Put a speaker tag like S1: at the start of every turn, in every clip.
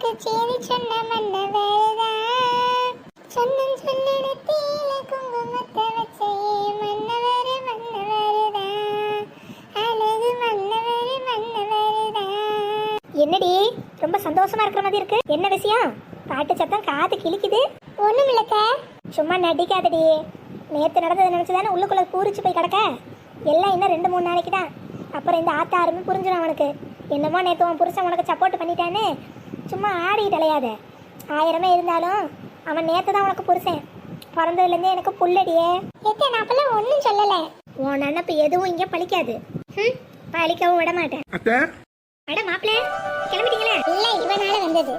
S1: வந்து சேதி சொன்ன மன்னவர்தான் சொன்னும் சொல்லிடத்தீல குங்குமத்தை வச்சே மன்னவர் மன்னவர்தான் அழகு மன்னவர் மன்னவர்தான். என்னடி ரொம்ப சந்தோஷமா இருக்கிற மாதிரி இருக்கு, என்ன விஷயம்? பாட்டு சத்தம் காது கிழிக்குது. ஒண்ணும் இல்லக்க, சும்மா நடிக்காதடி. நேற்று நடந்ததை நினைச்சுதானே உள்ளுக்குள்ள பூரிச்சு போய் கிடக்க. எல்லாம் இன்னும் 2-3 நாளைக்கு தான். அப்புறம் இந்த ஆத்தாருமே புரிஞ்சிடும் அவனுக்கு. என்னமோ நேற்று உன் புருஷன் உனக்கு சப்போர்ட் பண்ணிட்டான்னு சும்மா ஆடிட்டு அலையாத. 1000 இருந்தாலும் அவன் நேற்று தான் உனக்கு புருஷன். பிறந்ததுலேருந்தே எனக்கு புள்ளடியே. நான் அப்பெல்லாம் ஒன்றும் சொல்லலை. உன் நினப்பு எதுவும் இங்கே பழிக்காது. பழிக்கவும் விட மாட்டேன். அட மாப்பிள்ள, கிளம்பிட்டீங்களே? இல்லை, இவனால வந்தது.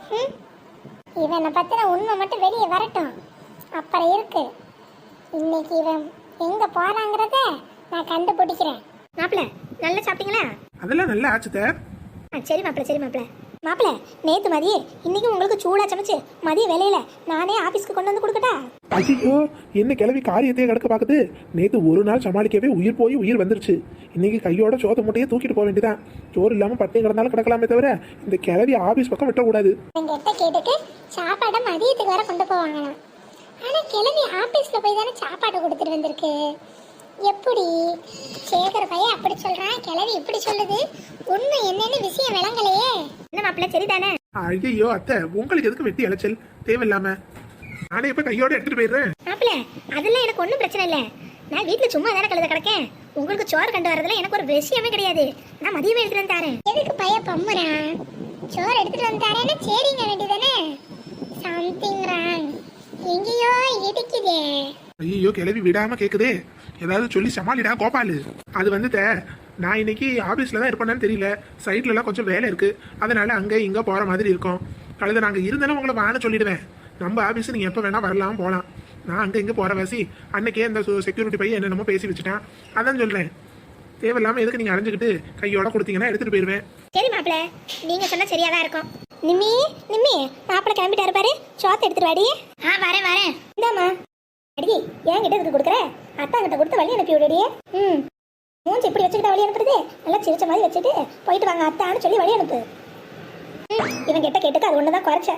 S1: இவனை பற்றின உண்மை மட்டும் வெளியே வரட்டும், அப்புறம் இருக்கு. இன்னைக்கு இவன் எங்க போறாங்கிறத நான் கண்டுபிடிக்கிறேன். மாப்பிள்ள, நல்லா சாப்பிட்டீங்களா?
S2: அதெல்லாம் நல்லா ஆச்சுதே.
S1: சரி மாப்பிள்ள, சரி மாப்பிள்ள. மாப்பிள்ள, நேத்து மதியே இன்னைக்கு உங்களுக்கு சூடா சமைச்சு மதிய வேலையில நானே ஆபீஸ்க்கு கொண்டு வந்து கொடுக்கட்டா?
S2: ஐயோ, என்ன கிளவி காரியத்தையே கிடக்க பாக்குது. நேத்து ஒரு நாள் சமாளிக்கவே உயிர் போய் உயிர் வந்துருச்சு. இன்னைக்கு கையோட சோத்த மூட்டையே தூக்கிட்டு போக வேண்டியதான். சோறு இல்லாம பட்டினி கிடந்தாலும் கிடக்கலாமே தவிர இந்த கிளவி ஆபீஸ் பக்கம் விட்டக்கூடாது.
S1: எங்கிட்ட கேட்டுக்கு சாப்பாடை மதியத்துக்கு வர கொண்டு போவாங்களாம். ஆனா கிளவி ஆபீஸ்ல போய் தானே சாப்பாடு கொடுத்துட்டு வந்திருக்கு. எப்படி சேகர் பையன் அப்படி சொல்றான், கிளவி இப்படி சொல்லுது? உண்மை என்னன்னு விஷயம் விளங்கலையே. என்ன மாப்பிள்ள, சரிதானே?
S2: ஐயோ அத்தை, உங்களுக்கு எதுக்கு வெட்டி அலைச்சல் தேவையில்லாம? நானே இப்ப கையோட எடுத்துட்டு போயிடுறேன்.
S1: மாப்பிள்ள, அதெல்லாம் எனக்கு ஒன்றும் பிரச்சனை இல்லை. நான் வீட்டுல சும்மா தானே கழுத கிடக்கேன். உங்களுக்கு சோறு கண்டு வரதுல எனக்கு ஒரு விஷயமே கிடையாது. நான் மதியமே எடுத்துட்டு வந்து தரேன். எதுக்கு பையன் பம்முறான்? சோறு எடுத்துட்டு வந்து தரேன்னு சரிங்க வேண்டியதானே? சம்திங் ராங், எங்கேயோ இடிக்குதே.
S2: ஐயோ, கிளவி விடாம கேக்குதே. ஏதாவது சொல்லி சமாளிடா கோபாலு. அது வந்துட்ட, நான் இன்னைக்கு ஆபீஸ்ல தான் இருப்பேன்னு தெரியல. சைட்ல எல்லாம் கொஞ்சம் வேலை இருக்கு, அதனால அங்க இங்க போற மாதிரி இருக்கும். கழுத நாங்க இருந்தாலும் உங்களை வான சொல்லிடுவேன். நம்ம ஆபீஸ் நீங்க எப்ப வேணா வரலாம் போலாம். நான் அங்க இங்க போற வாசி அன்னைக்கே இந்த செக்யூரிட்டி பையன் என்னென்னமோ பேசி வச்சுட்டான். அதான் சொல்றேன், தேவையில்லாம எதுக்கு நீங்க அரைஞ்சுக்கிட்டு கையோட கொடுத்தீங்கன்னா எடுத்துட்டு போயிருவேன்.
S1: சரி மாப்பிள்ள, நீங்க சொன்னா சரியா தான் இருக்கும். நிம்மி நிம்மி, மாப்பிள்ள கிளம்பிட்டாரு பாரு, சோத்த எடுத்துட்டு வாடி. வரேன் வரேன். இந்தாமா அடி, ஏன் கிட்ட இதுக்கு கொடுக்குற? அத்தா கிட்ட கொடுத்து வழி அனுப்பி விடுடியே. மூஞ்சி இப்படி வச்சுக்கிட்ட வழி அனுப்புறது? நல்லா சிரிச்ச மாதிரி வச்சுட்டு போயிட்டு வாங்க அத்தான்னு சொல்லி வழி அனுப்பு. இவன் கிட்ட கேட்டுக்கு அது ஒண்ணுதான் குறைச்ச.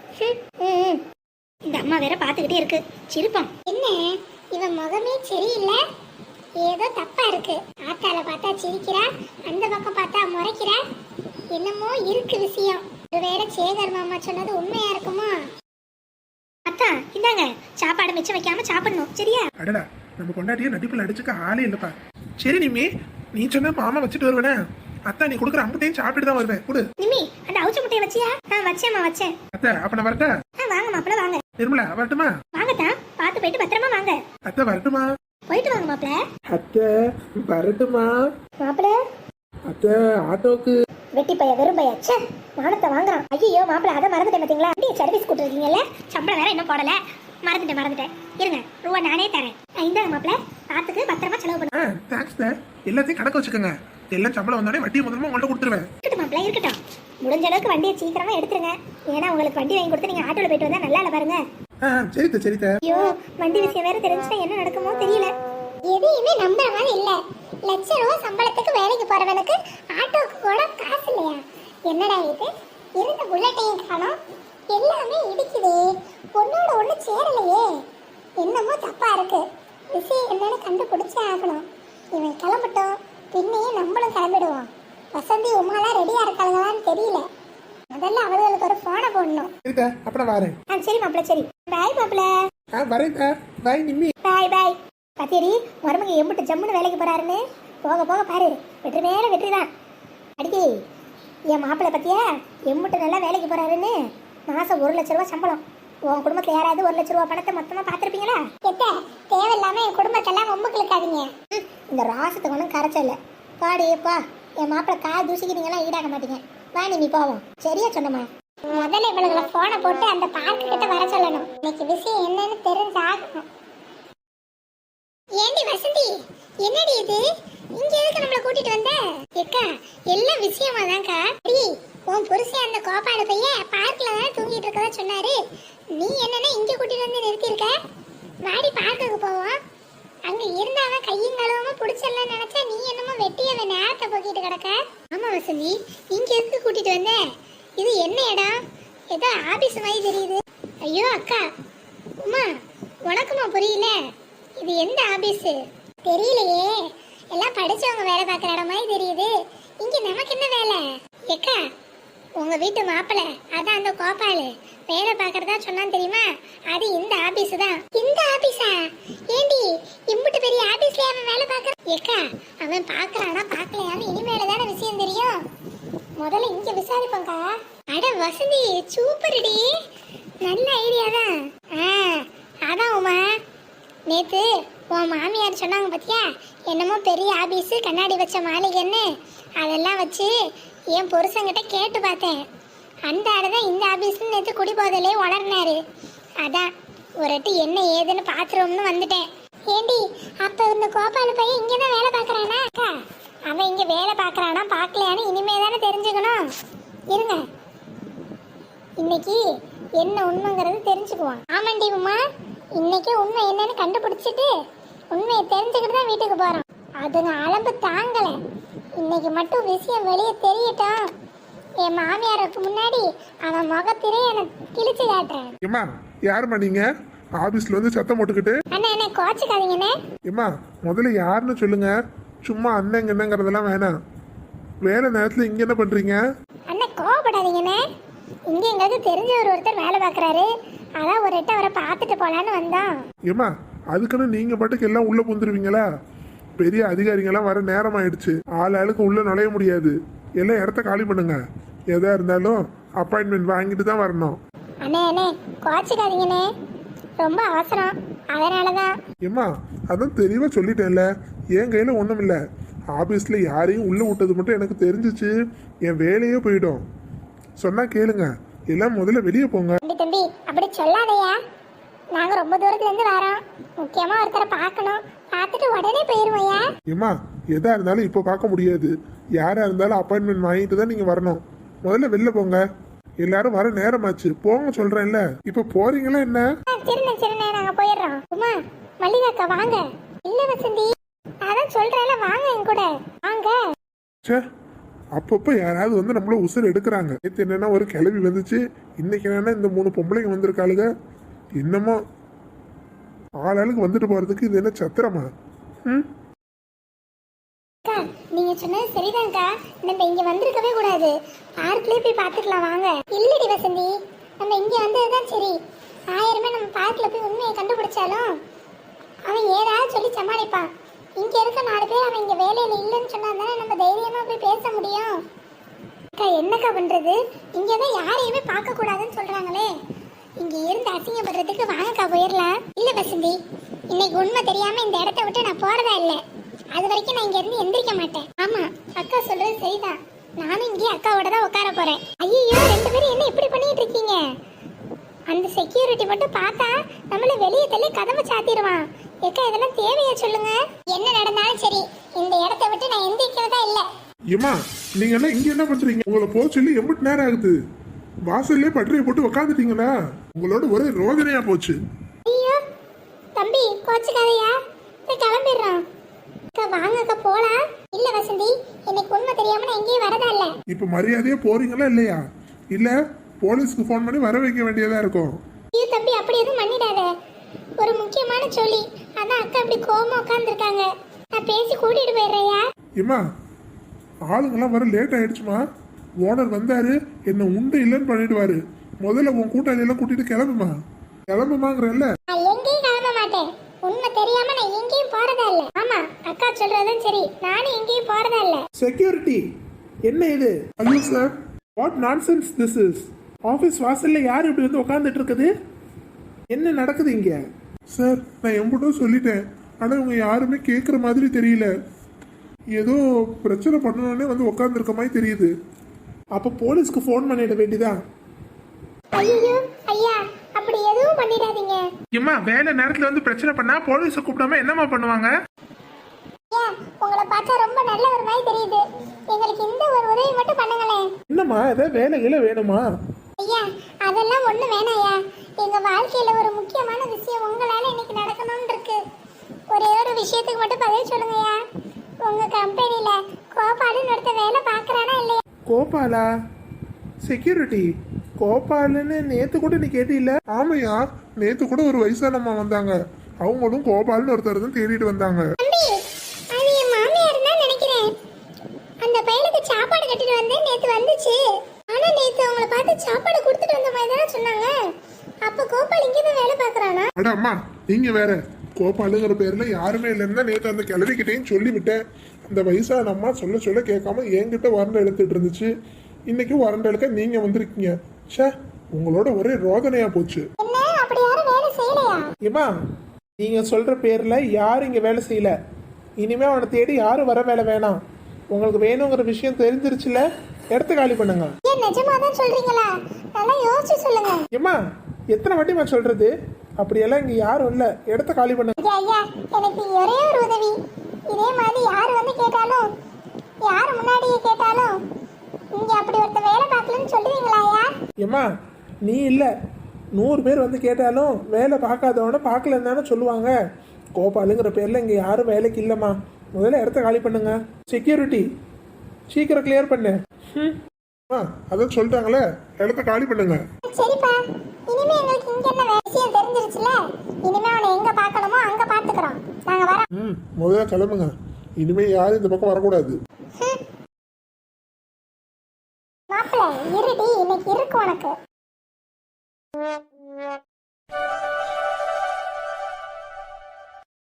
S1: இந்த அம்மா வேற பாத்துக்கிட்டே இருக்கு, சிரிப்பான். என்ன இவன் முகமே சரியில்லை, ஏதோ தப்பா இருக்கு. ஆத்தால பார்த்தா சிரிக்கிறா, அந்த பக்கம் பார்த்தா முறைக்கிறா. என்னமோ இருக்கு விஷயம். வேற சேகர் மாமா சொன்னது உண்மையா இருக்குமா? அத்தா இந்தாங்க, சாப்பாடு மிச்சம் வைக்காம சாப்பிடணும், சரியா?
S2: அடடா, நம்ம கொண்டாட்டியே நடிப்புல அடிச்சுக்க ஆளே இல்லப்பா. சரி நிம்மி, நீ சொன்ன மாமா வச்சுட்டு வருவேனே. அத்தா நீ கொடுக்குற அம்புட்டையும் சாப்பிட்டு தான் வருவேன். கொடு.
S1: நிம்மி, அந்த அவுச்ச முட்டையை வச்சியா? வச்சேம்மா வச்சேன்.
S2: அத்தை, அப்ப நான் வரட்டா?
S1: வாங்க மாப்பிள்ள வாங்க.
S2: நிர்மலா வரட்டுமா?
S1: வாங்கத்தா, பார்த்து போயிட்டு பத்திரமா வாங்க.
S2: அத்தை வரட்டுமா?
S1: போயிட்டு வாங்க மாப்பிள்ள.
S2: அத்தை வரட்டுமா?
S1: மாப்பிள்ள,
S2: அத்தை ஆட்டோக்கு.
S1: வெட்டி பைய வெறும் பைய, ச்சே மானத்தை வாங்குறான். ஐயோ மாப்பிள்ள, அதை மறந்துட்டேன் பாத்தீங்களா? அப்படியே சர்வீஸ் கூட்டிருக்கீங்கல்ல, சம்பளம் வேற இன்னும் போடல. மறந்துட்டேன். இருங்க, ரூபா நானே தரேன். இந்த மாப்பிள்ள பார்த்துக்கு பத்திரமா செலவு பண்ணுங்க.
S2: Thanks sir. எல்லாத்தையும் கணக்கு வச்சுக்கோங்க. எல்லாம் சம்பளம் வந்தானே வட்டி முதல்ல உங்கள்ட்ட கொடுத்துருவேன்.
S1: இருக்கட்டும் மாப்பிள்ள, இருக்கட்டும். முடிஞ்ச அளவுக்கு வண்டியை சீக்கிரமா எடுத்துருங்க. ஏன்னா உங்களுக்கு வண்டி வாங்கி கொடுத்து நீங்க ஆட்டோல போயிட்டு வந்தா நல்லா இல்ல பாருங்க.
S2: சரிதா.
S1: ஐயோ, வண்டி விஷயம் வேற தெரிஞ்சுட்டா என்ன நடக்குமோ தெரியல. எதையுமே நம்புற மாதிரி இல்ல. லட்ச சம்பளத்துக்கு வேலைக்கு போறவனுக்கு ஆட்டோக்கு கூட காசு இல்லையா? என்னடா இது, இருந்த புல்லட்டையும் காணோம், எல்லாமே இடிக்குதே, ஒன்னோட ஒண்ணு சேரலையே. என்னமோ தப்பா இருக்கு. விஷயம் என்னன்னு கண்டுபிடிச்சே ஆகணும். இவன் கிளம்பட்டும், பின்னையே நம்மளும் கிளம்பிடுவோம். வசந்தி உமாலாம் ரெடியா இருக்காங்களான்னு தெரியல. முதல்ல அவளுக்கு ஒரு போனை போடணும்.
S2: அப்புறம் வரேன்.
S1: சரி மாப்பிள்ள, சரி. பாய் மாப்பிள்ள.
S2: வரேன். பாய் நிம்மி.
S1: பாய். பத்தியடி, மருமக எம்பிட்டு ஜம்முன்னு வேலைக்கு போறாருன்னு போக போக பாரு, வெற்றி மேல வெற்றிதான். அடிக்கி, என் மாப்பிள்ளை பத்தியா எம்பிட்டு நல்லா வேலைக்கு போறாருன்னு. மாசம் 1 லட்ச ரூபா சம்பளம். உன் குடும்பத்துல யாராவது 1 லட்ச ரூபா பணத்தை மொத்தமா பாத்திருப்பீங்களா? தேவையில்லாம என் குடும்பத்தெல்லாம் ஒம்புக்கு இருக்காதீங்க. இந்த ராசத்துக்கு ஒன்றும் கரைச்சல. பாடியப்பா, என் மாப்பிள்ளை கால் தூசிக்கிட்டீங்கலாம் ஈடாக மாட்டீங்க. வா நீ போவோம். சரியா சொன்னமா? முதல்ல இவளுகளை போனை போட்டு அந்த பார்க்கு கிட்ட வர சொல்லணும். இன்னைக்கு விஷயம் என்னன்னு தெரிஞ்சாகணும். ஏண்டி வசந்தி, என்னடி இது? இங்க எதுக்கு நம்மள கூட்டிட்டு வந்த? ஏக்கா, எல்லாம் விஷயமா தான்க்கா. உன் புருஷன் அந்த கோபால பையன் பார்க்ல தான் தூங்கிட்டு இருக்கதா சொன்னாரு. நீ என்னன்னா இங்க கூட்டிட்டு வந்து நிறுத்திருக்க? வாடி பார்க்குக்கு போவோம். அங்க இருந்தாவன் கையும் கழுவாம புடிச்சலாம் நினைச்சா நீ என்னமோ வெட்டியவ நேரத்தை போக்கிட்டு கிடக்க. ஆமா வசந்தி, இங்க எதுக்கு கூட்டிட்டு வந்த? இது என்ன இடம்? ஏதோ ஆபீஸ் மாதிரி தெரியுது. ஐயோ அக்கா, உமா உனக்குமா புரியல? இது எந்த ஆபீஸ் தெரியலையே. எல்லாம் படிச்சவங்க வேலை பார்க்குற இடம் மாதிரி தெரியுது. இங்க நமக்கு என்ன வேலை? ஏக்கா, உங்க வீட்டு மாப்பிள்ள அதான் அந்த கோபாலு வேலை பார்க்கறதா சொன்னான் தெரியுமா? அது இந்த ஆபீஸ் தான். இந்த ஆபீஸா? ஏண்டி இம்புட்டு பெரிய ஆபீஸ்ல அவன் வேலை பார்க்கற? ஏக்கா, அவன் பார்க்கறானா பார்க்கலையான்னு இனிமேல தானே விஷயம் தெரியும். முதல்ல இங்க விசாரிப்போம்க்கா. அட வசந்தி, சூப்பர்டி, நல்ல ஐடியா தான். அதான் உமா, நேத்து உன் மாமியார் சொன்னாங்க பாத்தியா, என்னமோ பெரிய ஆபீஸ் கண்ணாடி வச்ச மாளிகைன்னு. அதெல்லாம் வச்சு என் புருஷங்கிட்ட கேட்டு பார்த்தேன். அந்த ஆளுதான் இந்த ஆபீஸ்னு நேற்று குடி போதலே வளர்னாரு. அதான் ஒருட்டு என்ன ஏதுன்னு பாத்துருவோம்னு வந்துட்டேன். ஏண்டி, அப்ப இந்த கோபால் பையன் இங்கதான் வேலை பார்க்கறானா? அக்கா, அவன் இங்க வேலை பார்க்கறானா பார்க்கலையான்னு இனிமே தானே தெரிஞ்சுக்கணும். இருங்க, இன்னைக்கு என்ன உண்மைங்கிறது தெரிஞ்சுக்குவோம். ஆமாண்டி உமா, இன்னைக்கு உண்மை என்னன்னு கண்டுபிடிச்சிட்டு உண்மையை தெரிஞ்சுக்கிட்டு தான் வீட்டுக்கு போறோம். அதுங்க அளம்பு தாங்கல. இன்னைக்கு மட்டும் விஷயம் வெளியே தெரியட்டும். என் மாமியாருக்கு முன்னாடி அவன் முகத்திலே எனக்கு கிழிச்சு காட்டுறேன்.
S2: ஏம்மா, யாரும்மா நீங்க? ஆபீஸ்ல வந்து சத்தம் போட்டுக்கிட்டு.
S1: அண்ணா என்ன கோச்சுக்காதீங்கண்ணே.
S2: ஏம்மா, முதல்ல யாருன்னு சொல்லுங்க. சும்மா அண்ணங்க என்னங்கிறதெல்லாம் வேணாம். வேலை நேரத்துல இங்க என்ன பண்றீங்க?
S1: அண்ணா கோவப்படாதீங்கண்ணே. இங்க எங்களுக்கு தெரிஞ்ச ஒருத்தர் வேலை பார்க்கறாரு. அதான் ஒரு எட்ட அவரை பார்த்துட்டு போலான்னு வந்தோம்.
S2: ஏம்மா, அதுக்குன்னு நீங்க பாட்டுக்கு எல்லாம் உள்ள புந்துருவீங்களா? பெரிய அதிகாரிங்கெல்லாம் வர நேரம் ஆயிடுச்சு. ஆளுக்கு உள்ள நுழைய முடியாது. எல்லாம் இடத்த காலி பண்ணுங்க. எதா இருந்தாலும் அப்பாயின்மெண்ட் வாங்கிட்டு தான் வரணும்.
S1: அண்ணே அண்ணே கோச்சுக்காதீங்கண்ணே, ரொம்ப அவசரம், அதனாலதான்.
S2: ஏம்மா, அதான் தெளிவா சொல்லிட்டேன்ல, என் கையில ஒண்ணும் இல்ல. ஆபீஸ்ல யாரையும் உள்ள விட்டது மட்டும் எனக்கு தெரிஞ்சிச்சு, என் வேலையே போயிடும். சொன்னா கேளுங்க, எல்லாம் முதல்ல வெளியே போங்க.
S1: தம்பி அப்படி சொல்லாதையா, நாங்க ரொம்ப தூரத்துல இருந்து வரோம். முக்கியமா ஒருத்தரை பார்க்கணும், பார்த்துட்டு உடனே போயிருவோயா.
S2: ஏம்மா, எதா இருந்தாலும் இப்போ பார்க்க முடியாது. யாரா இருந்தாலும் அப்பாயின்மெண்ட் வாங்கிட்டு தான் நீங்க வரணும். முதல்ல வெளில போங்க. எல்லாரும் வர நேரமாச்சு, போங்க சொல்றேன்ல. இப்ப போறீங்களா என்ன?
S1: சரிண்ணே சரிண்ணே, நாங்க போயிடுறோம். உமா, மல்லிகாக்கா வாங்க. இல்ல வசந்தி, அதான் சொல்றேன்ல, வாங்க என் கூட வாங்க.
S2: சே, அப்பப்போ யாராவது வந்து நம்மள உசுர் எடுக்கிறாங்க. நேற்று என்னன்னா ஒரு கிளவி வந்துச்சு, இன்னைக்கு என்னன்னா இந்த 3 பொம்பளைங்க வந்திருக்காளுங்க. என்னமோ ஆளாளுக்கு வந்துட்டு போறதுக்கு இது என்ன சத்திரமா?
S1: அக்கா, நீங்க சொன்னது சரிதான்க்கா. நம்ம இங்க வந்திருக்கவே கூடாது. பார்க்லயே போய் பாத்துக்கலாம் வாங்க. இல்லடி வசந்தி, நம்ம இங்க வந்ததுதான் சரி. 1000 நம்ம பார்க்ல போய் உண்மையை கண்டுபிடிச்சாலும் அவன் ஏதாவது சொல்லி சமாளிப்பான். இங்க இருக்க 4 பேர் அவன் இங்க வேலையில இல்லைன்னு சொன்னா தானே நம்ம தைரியமா போய் பேச முடியும். அக்கா, என்னக்கா பண்றது? இங்கதான் யாரையுமே பார்க்க கூடாதுன்னு சொல்றாங்களே. இங்க இருந்து அசிங்கப்படுறதுக்கு வாங்கக்கா போயிடலாம். இல்ல வசந்தி, இன்னைக்கு உண்மை தெரியாம இந்த இடத்த விட்டு நான் போறதா இல்ல. அது வரைக்கும் நான் இங்க இருந்து எந்திரிக்க மாட்டேன். ஆமா, அக்கா சொல்றது சரிதான். நானும் இங்கே அக்காவோட தான் உட்கார போறேன். ஐயோ, 2 பேரும் என்ன இப்படி பண்ணிட்டு இருக்கீங்க? அந்த செக்யூரிட்டி மட்டும் பார்த்தா நம்மள வெளியே தள்ளி கதவை சாத்திடுவான். ஏக்கா, இதெல்லாம் தேவையா சொல்லுங்க? என்ன நடந்தாலும் சரி, இந்த இடத்த விட்டு நான் எந்திரிக்கிறதா இல்ல.
S2: ஏம்மா, நீங்க எல்லாம் இங்க என்ன பண்றீங்க? உங்களை போக சொல்லி எம்பிட்டு நேரம் ஆகுது? வாசல்லே பட்டறையை போட்டு உக்காந்துட்டீங்களா? உங்களோட ஒரே ரோதனையா போச்சு.
S1: ஐயோ தம்பி, கோச்சுக்காதையா, கிளம்பிடுறோம். அக்கா வாங்க அக்கா போலாம். இல்ல வசந்தி, இன்னைக்கு உண்மை தெரியாம நான் எங்கேயும் வரதா இல்ல.
S2: இப்ப மரியாதையா போறீங்களா இல்லையா? இல்ல போலீஸ்க்கு போன் பண்ணி வர வைக்க வேண்டியதா இருக்கும்.
S1: ஐயோ தம்பி, அப்படி எதுவும் பண்ணிடாத. ஒரு முக்கியமான சொல்லி, அதான் அக்கா அப்படி கோவமா உட்கார்ந்துருக்காங்க. நான் பேசி கூட்டிட்டு போயிடுறேயா.
S2: ஏம்மா, ஆளுங்கெல்லாம் வர லேட் ஆயிடுச்சுமா. ஓனர் வந்தாரு, என்ன உண்டு இல்லைன்னு பண்ணிடுவாரு. முதல்ல உன் கூட்டாளி எல்லாம் கூட்டிட்டு கிளம்புமா. கிளம்புமாங்கிறல்ல.
S1: நான் எங்கேயும் கிளம்ப மாட்டேன். உண்மை தெரியாம நான் எங்கேயும் போறதா இல்ல. ஆமா, அக்கா சொல்றதும் சரி, நானும் எங்கேயும் போறதா இல்ல.
S2: செக்யூரிட்டி, என்ன இது? ஐயோ sir, what nonsense this is? Office வாசல்ல யார் இப்படி வந்து உட்கார்ந்துட்டு இருக்குது? என்ன நடக்குது இங்க? சார், நான் எம்பிட்டோ சொல்லிட்டேன், ஆனா இவங்க யாருமே கேட்குற மாதிரி தெரியல. ஏதோ பிரச்சனை பண்ணணும்னே வந்து உட்காந்துருக்க மாதிரி தெரியுது. அப்ப போலீஸ்க்கு ஃபோன் பண்ணிட வேண்டியதா?
S1: ஐயோ ஐயா, அப்படி எதுவும் பண்ணிடாதீங்க.
S2: ஏம்மா, வேலை நேரத்துல வந்து பிரச்சனை பண்ணா போலீஸை கூப்பிடாம என்னம்மா பண்ணுவாங்க?
S1: ஐயா, உங்களை பார்த்தா ரொம்ப நல்ல ஒரு மாதிரி தெரியுது. எங்களுக்கு இந்த ஒரு உதவி மட்டும் பண்ணுங்களேன்.
S2: என்னம்மா, ஏதாவது வேலைகள வேணுமா?
S1: ஐயா, அதெல்லாம் ஒண்ணு வேணாயா. எங்க வாழ்க்கையில ஒரு முக்கியமான விஷயம் உங்களால இன்னைக்கு நடக்கணும்னு இருக்கு. ஒரே ஒரு விஷயத்துக்கு மட்டும் பதில் சொல்லுங்கய்யா. உங்க கம்பெனில கோபாலுன்னு ஒருத்த வேலை பாக்குறானா இல்லையா?
S2: கோபாலா? செக்யூரிட்டி கோபாலுன்னு நேத்து கூட நீ கேட்டில? ஆமையா, நேத்து கூட ஒரு வயசானம்மா வந்தாங்க. அவங்களும் கோபால்னு ஒருத்தர் தான் தேடிட்டு வந்தாங்க.
S1: தம்பி, அது என் மாமியார் தான் நினைக்கிறேன். அந்த பையனுக்கு சாப்பாடு கட்டிட்டு வந்தேன், நேத்து வந்துச்சு. ஆனா நேத்து அவங்கள பார்த்து சாப்பாடு கொடுத்துட்டு வந்த மாதிரி தானே சொன்னாங்க. அப்ப கோபால் இங்கே தான் வேலை பார்க்கறானா?
S2: அட அம்மா, நீங்க வேற. கோபாலுங்கிற பேர்ல யாருமே இல்லைன்னா நேத்து அந்த கிளவிக்கிட்டையும் சொல்லிவிட்டேன். அந்த வயசான அம்மா சொல்ல சொல்ல கேட்காம என்கிட்ட வறண்ட எழுத்துட்டு இருந்துச்சு. இன்னைக்கு வறண்ட எழுக்க நீங்க வந்திருக்கீங்க. ச்சே, உங்களோட ஒரே ரோதனையா போச்சு.
S1: என்ன, அப்படி யாரும் வேலை செய்யலையா?
S2: ஏமா, நீங்க சொல்ற பேர்ல யாரும் இங்க வேலை செய்யல. இனிமே அவனை தேடி யாரும் வர வேலை வேணாம். உங்களுக்கு வேணுங்கிற விஷயம் தெரிஞ்சிருச்சுல, இடத்த காலி பண்ணுங்க.
S1: ஏன் நிஜமா தான் சொல்றீங்களா? நல்லா யோசிச்சு சொல்லுங்க.
S2: ஏமா, எத்தனை வாட்டிமா சொல்றது? அப்படியெல்லாம் இங்க யாரும் இல்ல, இடத்த காலி பண்ணுங்க.
S1: ஐயா, எனக்கு ஒரே ஒரு உதவி. இதே மாதிரி யார் வந்து கேட்டாலும், யார் முன்னாடியே கேட்டாலும், இங்க அப்படி ஒருத்த வேலை பார்க்கலன்னு சொல்லுவீங்களா ஐயா?
S2: ஏமா, நீ இல்ல 100 பேர் வந்து கேட்டாலும் வேலை பார்க்காதவன பார்க்கலன்னு தானே சொல்லுவாங்க. கோபாலுங்கிற பேர்ல இங்க யாரும் வேலைக்கு இல்லம்மா. முதல்ல இடத்த காலி பண்ணுங்க. செக்யூரிட்டி, சீக்கிரம் கிளியர் பண்ணு. அதான் சொல்லிட்டாங்களே, இடத்த காலி பண்ணுங்க.
S1: சரிப்பா, இனிமே எங்களுக்கு இங்க என்ன விஷயம் தெரிஞ்சிருச்சுல. இனிமே அவனை எங்க பார்க்கணுமோ அங்க பாத்துக்கிறோம். நாங்க வரோம்.
S2: முதல்ல கிளம்புங்க. இனிமே யாரும் இந்த பக்கம் வரக்கூடாது.